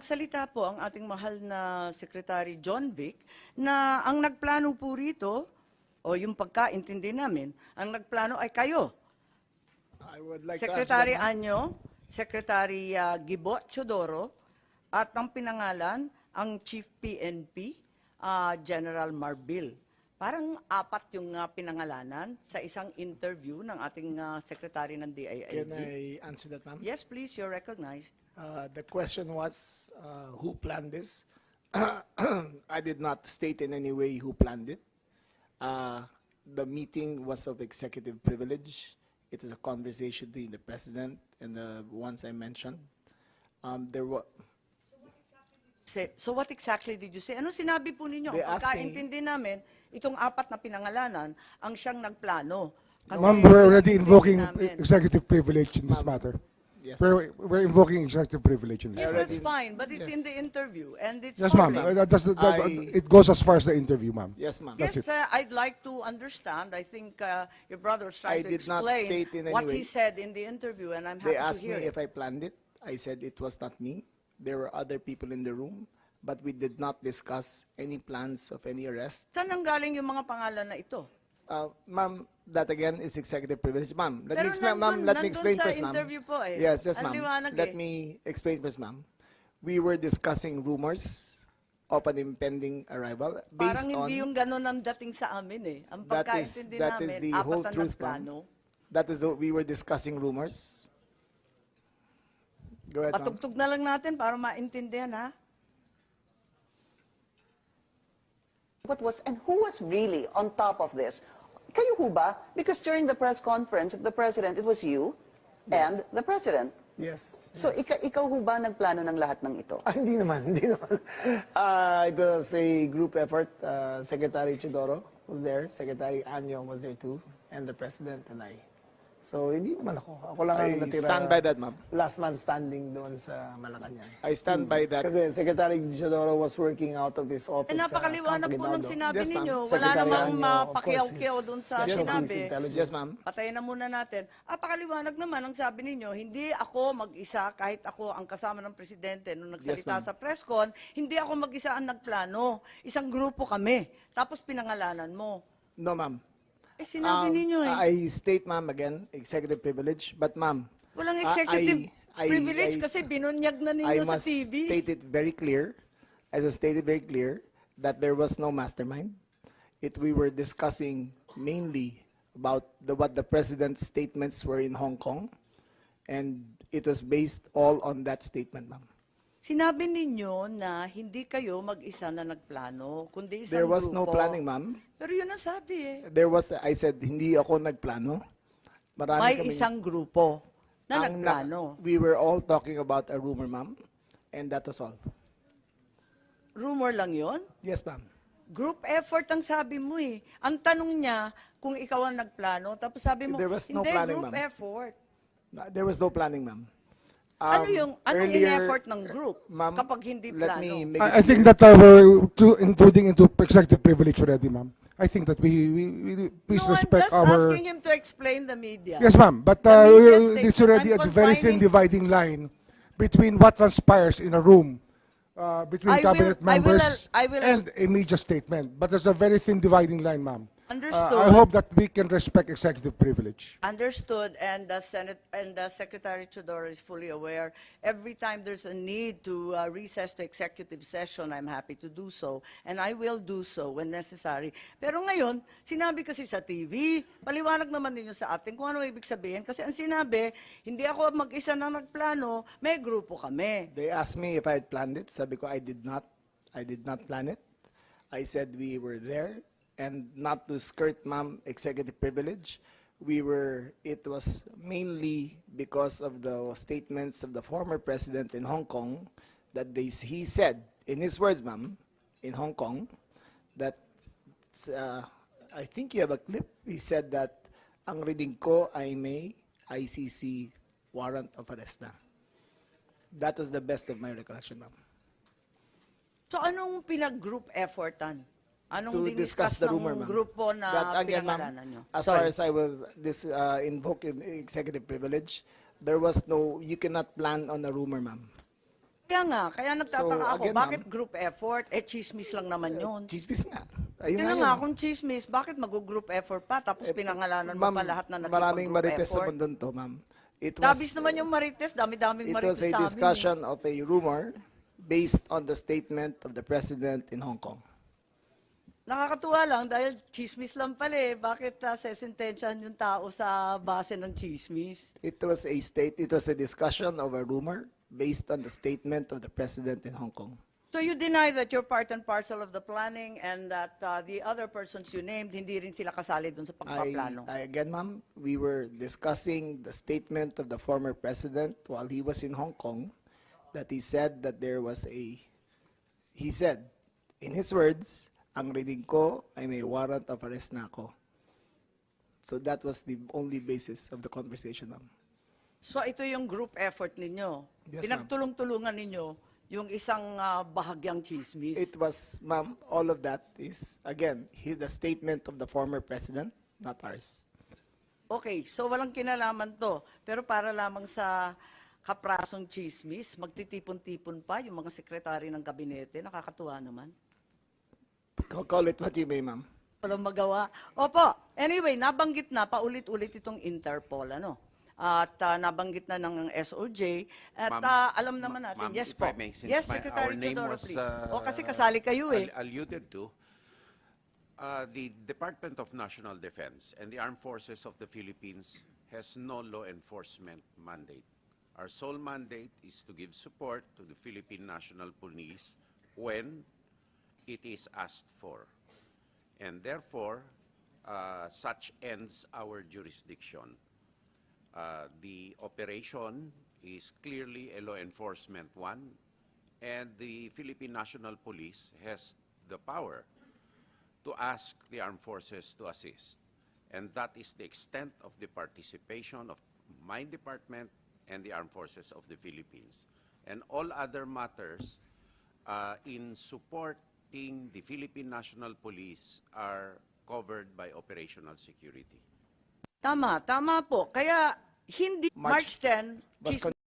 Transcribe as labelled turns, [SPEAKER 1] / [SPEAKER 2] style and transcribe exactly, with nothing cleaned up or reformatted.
[SPEAKER 1] Salita po ang ating mahal na Secretary John Vic na ang nagplano po rito, o yung pagkaintindi namin, ang nagplano ay kayo.
[SPEAKER 2] I would like
[SPEAKER 1] Secretary
[SPEAKER 2] to answer that,
[SPEAKER 1] Anyo, Secretary uh, Gibo Chodoro, at ang pinangalan, ang Chief P N P, uh, General Marbil. Parang apat yung uh, pinangalanan sa isang interview ng ating uh, Secretary ng D I I G.
[SPEAKER 2] Can I answer that, ma'am?
[SPEAKER 1] Yes, please, you're recognized.
[SPEAKER 2] Uh, the question was, uh, who planned this? I did not state in any way who planned it. Uh, the meeting was of executive privilege. It is a conversation between the president and the ones I mentioned. Um, there was.
[SPEAKER 1] Say- So what exactly did you say? Ano sinabi po ninyo?
[SPEAKER 2] They
[SPEAKER 1] Ang
[SPEAKER 2] asked me-
[SPEAKER 1] pagkaintindi namin, itong apat na pinangalanan, ang siyang nagplano. Kasi
[SPEAKER 3] Ma'am, we're already
[SPEAKER 1] pinag-intindi
[SPEAKER 3] invoking
[SPEAKER 1] namin.
[SPEAKER 3] executive privilege in this matter.
[SPEAKER 2] Yes.
[SPEAKER 3] We're, we're invoking executive privilege in this.
[SPEAKER 1] Yes, that's
[SPEAKER 2] already-
[SPEAKER 1] fine, but it's in
[SPEAKER 2] yes.
[SPEAKER 1] the interview, and it's
[SPEAKER 3] Yes, ma'am.
[SPEAKER 1] public.
[SPEAKER 3] Uh, that's- that-
[SPEAKER 2] I-
[SPEAKER 3] it goes as far as the interview, ma'am.
[SPEAKER 2] Yes, ma'am.
[SPEAKER 1] Yes,
[SPEAKER 3] That's it.
[SPEAKER 1] uh, I'd like to understand. I think uh, your brother was trying
[SPEAKER 2] I
[SPEAKER 1] to
[SPEAKER 2] did not
[SPEAKER 1] explain
[SPEAKER 2] state in any
[SPEAKER 1] what he
[SPEAKER 2] way.
[SPEAKER 1] said in the interview, and I'm
[SPEAKER 2] They
[SPEAKER 1] happy to
[SPEAKER 2] asked
[SPEAKER 1] hear
[SPEAKER 2] me
[SPEAKER 1] it.
[SPEAKER 2] if I planned it. I said it was not me. There were other people in the room, but we did not discuss any plans of any arrest.
[SPEAKER 1] Saan nanggaling yung mga pangalan na ito?
[SPEAKER 2] Uh, ma'am, that again is executive privilege. Ma'am, let
[SPEAKER 1] Pero
[SPEAKER 2] me explain, ma'am,
[SPEAKER 1] nandun-
[SPEAKER 2] let me
[SPEAKER 1] nandun
[SPEAKER 2] explain
[SPEAKER 1] sa
[SPEAKER 2] first, ma'am.
[SPEAKER 1] interview po eh.
[SPEAKER 2] Yes, yes,
[SPEAKER 1] Ang
[SPEAKER 2] ma'am.
[SPEAKER 1] liwanag
[SPEAKER 2] Let
[SPEAKER 1] eh.
[SPEAKER 2] me explain first, ma'am. We were discussing rumors of an impending arrival based
[SPEAKER 1] Parang
[SPEAKER 2] on,
[SPEAKER 1] hindi yung ganun ang dating sa amin eh. Ang
[SPEAKER 2] That is-
[SPEAKER 1] pagkaintindi
[SPEAKER 2] that is
[SPEAKER 1] namin,
[SPEAKER 2] the
[SPEAKER 1] apat
[SPEAKER 2] whole
[SPEAKER 1] na
[SPEAKER 2] truth, ma'am.
[SPEAKER 1] nagplano.
[SPEAKER 2] that is, the, we were discussing rumors. Go ahead, ma'am.
[SPEAKER 1] Patugtog na lang natin para maintindihan ha.
[SPEAKER 4] What was and who was really on top of this? Kayo ho ba? Because during the press conference of the president, it was you and the president.
[SPEAKER 2] Yes.
[SPEAKER 4] So ika ikaw ho ba nagplano ng lahat ng ito?
[SPEAKER 2] Ah, hindi naman, hindi naman. Uh, it was a group effort. Uh, Secretary Chidoro was there, Secretary Anyo was there too, and the President and I. So, hindi naman ako. Ako lang ang
[SPEAKER 5] I
[SPEAKER 2] natira.
[SPEAKER 5] stand by that, ma'am.
[SPEAKER 2] Last man standing doon sa Malacanang.
[SPEAKER 5] I stand by that.
[SPEAKER 2] Kasi Secretary Chidoro was working out of his office
[SPEAKER 1] Eh, napakaliwanag
[SPEAKER 2] sa
[SPEAKER 1] po ng
[SPEAKER 2] Campo
[SPEAKER 1] sinabi
[SPEAKER 5] Yes, ma'am.
[SPEAKER 1] ninyo. Wala
[SPEAKER 2] Secretary
[SPEAKER 1] namang
[SPEAKER 2] Anyo, of course,
[SPEAKER 1] mapakiyaw-kiyaw
[SPEAKER 2] is
[SPEAKER 1] dun sa
[SPEAKER 2] Special
[SPEAKER 5] Yes, ma'am.
[SPEAKER 1] sinabi.
[SPEAKER 2] Police Intelligence.
[SPEAKER 5] Yes, ma'am.
[SPEAKER 1] Patayin na muna natin. Ah, pakaliwanag naman ang sabi ninyo, hindi ako mag-isa, kahit ako ang kasama ng presidente nung nagsalita
[SPEAKER 5] ma'am.
[SPEAKER 1] sa press con, hindi ako mag-isa ang nagplano. Isang grupo kami. Tapos pinangalanan mo.
[SPEAKER 5] No, ma'am.
[SPEAKER 1] Eh, sinabi
[SPEAKER 5] Um,
[SPEAKER 1] ninyo eh.
[SPEAKER 5] I state, ma'am, again, executive privilege. But, ma'am,
[SPEAKER 1] Walang
[SPEAKER 5] uh,
[SPEAKER 1] executive
[SPEAKER 5] I- I-
[SPEAKER 1] privilege
[SPEAKER 5] I-
[SPEAKER 1] kasi binunyag na
[SPEAKER 5] I
[SPEAKER 1] ninyo sa
[SPEAKER 5] must
[SPEAKER 1] T V.
[SPEAKER 5] state it very clear, as I stated very clear, that there was no mastermind. It we were discussing mainly about the, what the president's statements were in Hong Kong, and it was based all on that statement, ma'am.
[SPEAKER 1] Sinabi ninyo na hindi kayo mag-isa na nagplano, kundi isang
[SPEAKER 5] There was no
[SPEAKER 1] grupo.
[SPEAKER 5] planning, ma'am.
[SPEAKER 1] Pero yun ang sabi eh.
[SPEAKER 5] There was, I said, hindi ako nagplano. Marami
[SPEAKER 1] May
[SPEAKER 5] kaming-
[SPEAKER 1] isang grupo na
[SPEAKER 5] ang na-
[SPEAKER 1] nagplano.
[SPEAKER 5] We were all talking about a rumor, ma'am, and that was all.
[SPEAKER 1] Rumor lang yon.
[SPEAKER 5] Yes, ma'am.
[SPEAKER 1] Group effort ang sabi mo eh. Ang tanong niya kung ikaw ang nagplano, tapos sabi mo,
[SPEAKER 5] There was no
[SPEAKER 1] hindi,
[SPEAKER 5] planning,
[SPEAKER 1] group
[SPEAKER 5] ma'am.
[SPEAKER 1] effort.
[SPEAKER 5] There was no planning, ma'am.
[SPEAKER 1] ano
[SPEAKER 5] Um,
[SPEAKER 1] yung, anong
[SPEAKER 5] earlier-
[SPEAKER 1] in-effort ng group
[SPEAKER 5] Ma'am,
[SPEAKER 1] kapag hindi
[SPEAKER 5] let
[SPEAKER 1] plano?
[SPEAKER 5] me make
[SPEAKER 3] I,
[SPEAKER 5] it
[SPEAKER 3] I think
[SPEAKER 5] clear.
[SPEAKER 3] that uh, we're to, intruding into executive privilege already, ma'am. I think that we, we, we please
[SPEAKER 1] no,
[SPEAKER 3] respect
[SPEAKER 1] I'm just
[SPEAKER 3] our.
[SPEAKER 1] asking him to explain the media.
[SPEAKER 3] Yes, ma'am. But
[SPEAKER 1] The
[SPEAKER 3] uh,
[SPEAKER 1] media
[SPEAKER 3] it's
[SPEAKER 1] statement
[SPEAKER 3] already
[SPEAKER 1] and
[SPEAKER 3] a very thin
[SPEAKER 1] confining-
[SPEAKER 3] dividing line between what transpires in a room uh, between
[SPEAKER 1] I will-
[SPEAKER 3] cabinet
[SPEAKER 1] I will-
[SPEAKER 3] members
[SPEAKER 1] I will-
[SPEAKER 3] and a media statement. But there's a very thin dividing line, ma'am. Uh,
[SPEAKER 1] Understood.
[SPEAKER 3] I hope that we can respect executive privilege.
[SPEAKER 1] Understood, and the Senate and the Secretary Chodoro is fully aware. Every time there's a need to uh, recess to executive session, I'm happy to do so, and I will do so when necessary. Pero ngayon, sinabi kasi sa T V, paliwanag naman ninyo sa atin kung ano ibig sabihin. Kasi ang sinabi, hindi ako mag-isa na nagplano, may grupo kami.
[SPEAKER 5] They asked me if I had planned it. Sabi ko, I did not. I did not plan it. I said we were there, and not to skirt, ma'am, executive privilege. We were, it was mainly because of the statements of the former president in Hong Kong that they, he said, in his words, ma'am, in Hong Kong, that, uh, I think you have a clip, he said that ang reading ko ay may I C C warrant of arrest na. That was the best of my recollection, ma'am.
[SPEAKER 1] So anong pinag-group effortan? Anong
[SPEAKER 5] To discuss
[SPEAKER 1] diniscuss
[SPEAKER 5] the
[SPEAKER 1] ng
[SPEAKER 5] rumor, ma'am.
[SPEAKER 1] grupo na
[SPEAKER 5] That, again, ma'am,
[SPEAKER 1] pinangalanan nyo?
[SPEAKER 5] as
[SPEAKER 1] Sorry.
[SPEAKER 5] far as I will this uh, invoke in executive privilege, there was no, you cannot plan on a rumor, ma'am.
[SPEAKER 1] Kaya nga, kaya nagtataka
[SPEAKER 2] So,
[SPEAKER 1] ako,
[SPEAKER 2] again,
[SPEAKER 1] bakit
[SPEAKER 2] ma'am,
[SPEAKER 1] group effort? Eh, chismis lang naman yun.
[SPEAKER 2] Chismis nga. Ayun
[SPEAKER 1] Kaya
[SPEAKER 2] nga
[SPEAKER 1] nga,
[SPEAKER 2] yun.
[SPEAKER 1] kung chismis, bakit mag-group effort pa? Tapos
[SPEAKER 2] Eh,
[SPEAKER 1] pinangalanan mo
[SPEAKER 2] ma'am,
[SPEAKER 1] pa lahat na
[SPEAKER 2] maraming
[SPEAKER 1] nagpag-group
[SPEAKER 2] marites sa
[SPEAKER 1] effort.
[SPEAKER 2] mundo to, ma'am. It was,
[SPEAKER 1] Dabis naman yung marites, dami-daming
[SPEAKER 2] it
[SPEAKER 1] marites
[SPEAKER 2] was a
[SPEAKER 1] sa amin.
[SPEAKER 2] discussion of a rumor based on the statement of the president in Hong Kong.
[SPEAKER 1] Nakakatuwa lang dahil chismis lang pala eh. Bakit uh, sesentensyahan yung tao sa base ng chismis?
[SPEAKER 2] It was a state, it was a discussion of a rumor based on the statement of the president in Hong Kong.
[SPEAKER 1] So you deny that you're part and parcel of the planning and that uh, the other persons you named, hindi rin sila kasali dun sa
[SPEAKER 2] I,
[SPEAKER 1] pagpaplano?
[SPEAKER 2] I again, ma'am, we were discussing the statement of the former president while he was in Hong Kong, that he said that there was a, he said, in his words, ang reading ko ay may warrant of arrest na ako. So that was the only basis of the conversation, ma'am.
[SPEAKER 1] So ito yung group effort ninyo.
[SPEAKER 2] Yes, ma'am.
[SPEAKER 1] Pinagtulong-tulungan ninyo yung isang uh, bahagyang chismis.
[SPEAKER 2] It was, ma'am, all of that is, again, he, the statement of the former president, not ours.
[SPEAKER 1] Okay, so walang kinalaman to. Pero para lamang sa kaprasong chismis, magtitipon-tipon pa yung mga sekretary ng kabinete. Nakakatuwa naman.
[SPEAKER 2] Ca- Call it what you may, ma'am.
[SPEAKER 1] Walang magawa. Opo, anyway, nabanggit na paulit-ulit itong Interpol, ano? At uh, nabanggit na ng S O J. At
[SPEAKER 6] Ma'am,
[SPEAKER 1] uh, alam naman
[SPEAKER 6] ma-
[SPEAKER 1] natin,
[SPEAKER 6] ma'am,
[SPEAKER 1] yes
[SPEAKER 6] if
[SPEAKER 1] po.
[SPEAKER 6] I may, since
[SPEAKER 1] Yes,
[SPEAKER 6] my-
[SPEAKER 1] Secretary
[SPEAKER 6] our name
[SPEAKER 1] Teodoro,
[SPEAKER 6] was,
[SPEAKER 1] please.
[SPEAKER 6] uh,
[SPEAKER 1] O kasi kasali kayo eh.
[SPEAKER 6] al- alluded to, uh, the Department of National Defense and the Armed Forces of the Philippines has no law enforcement mandate. Our sole mandate is to give support to the Philippine National Police when it is asked for. And therefore, uh, such ends our jurisdiction. Uh, the operation is clearly a law enforcement one, and the Philippine National Police has the power to ask the armed forces to assist. And that is the extent of the participation of my department and the armed forces of the Philippines. And all other matters uh, in supporting the Philippine National Police are covered by operational security.
[SPEAKER 1] Tama, tama po. Kaya hindi
[SPEAKER 2] March-
[SPEAKER 1] March tenth,
[SPEAKER 2] was
[SPEAKER 1] chismis